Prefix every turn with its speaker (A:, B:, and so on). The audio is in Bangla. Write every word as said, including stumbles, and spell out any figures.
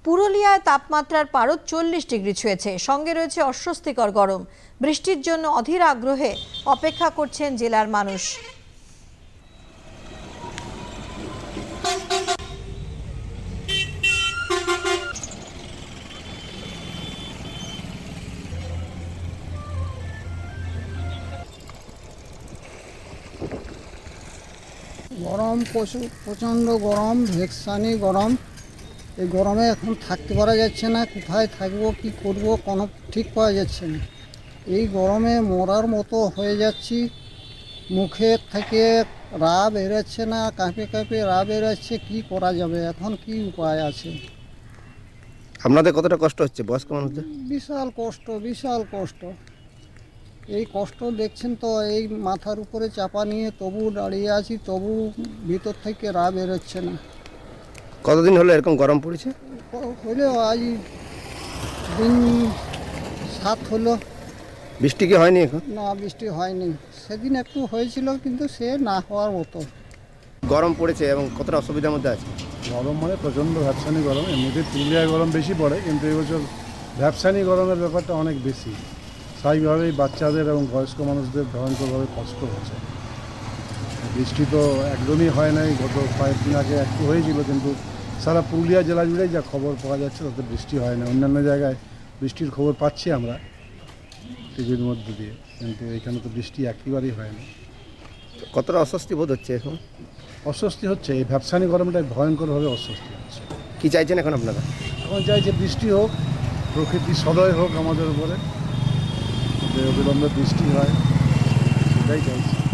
A: পুরুলিয়ায় তাপমাত্রার পারদ চল্লিশ ডিগ্রি ছুঁয়েছে, সঙ্গে রয়েছে অস্বস্তিকর গরম। বৃষ্টির জন্য অধীর আগ্রহে অপেক্ষা করছেন জেলার মানুষ।
B: গরম প্রচুর প্রচণ্ড গরম, ভেকসানি গরম। এই গরমে এখন থাকতে পারা যাচ্ছে না, কোথায় থাকবো কি করব কোনো ঠিক পাওয়া যাচ্ছে না। এই গরমে মরার মতো হয়ে যাচ্ছি, মুখের থেকে রা বেরোচ্ছে না, কাঁপে কাঁপে রা বেরোচ্ছে। কি করা যাবে এখন, কি উপায় আছে?
C: আপনাদের কতটা কষ্ট হচ্ছে বয়স্ক মানুষদের?
B: বিশাল কষ্ট, বিশাল কষ্ট। এই কষ্ট দেখছেন তো, এই মাথার উপরে চাপা নিয়ে তবু দাঁড়িয়ে আছি, তবু ভিতর থেকে রা বেরোচ্ছে না।
C: কতদিন হলো এরকম গরম পড়েছে?
B: হলেও আজ দিন সাত হলো।
C: বৃষ্টি কি হয়নি এখন?
B: না, বৃষ্টি হয়নি। সেদিন একটু হয়েছিল, কিন্তু সে না হওয়ার মতো।
C: গরম পড়েছে এবং কতটা অসুবিধার মধ্যে আছে?
D: গরম মানে প্রচণ্ড ভ্যাপসানি গরম। এমনিতে পুরুলিয়ায় গরম বেশি পড়ে, কিন্তু এবছর ভ্যাপসানি গরমের ব্যাপারটা অনেক বেশি। স্বাভাবিকভাবেই বাচ্চাদের এবং বয়স্ক মানুষদের ভয়ঙ্করভাবে কষ্ট হচ্ছে। বৃষ্টি তো একদমই হয় নাই, গত কয়েকদিন আগে একটু হয়েছিল, কিন্তু সারা পুরুলিয়া জেলা জুড়েই যা খবর পাওয়া যাচ্ছে তাতে বৃষ্টি হয় না। অন্যান্য জায়গায় বৃষ্টির খবর পাচ্ছি আমরা টিভির মধ্যে দিয়ে, কিন্তু এখানে তো বৃষ্টি একেবারেই হয় না।
C: কতটা অস্বস্তি বোধ হচ্ছে এখন?
D: অস্বস্তি হচ্ছে, এই ভ্যাপসানি গরমটায় ভয়ঙ্করভাবে অস্বস্তি হচ্ছে।
C: কি চাইছেন এখন আপনারা?
D: এখন চাই যে বৃষ্টি হোক, প্রকৃতি সদয় হোক আমাদের উপরে, যে অবিলম্বে বৃষ্টি হয়, সেটাই চাইছি।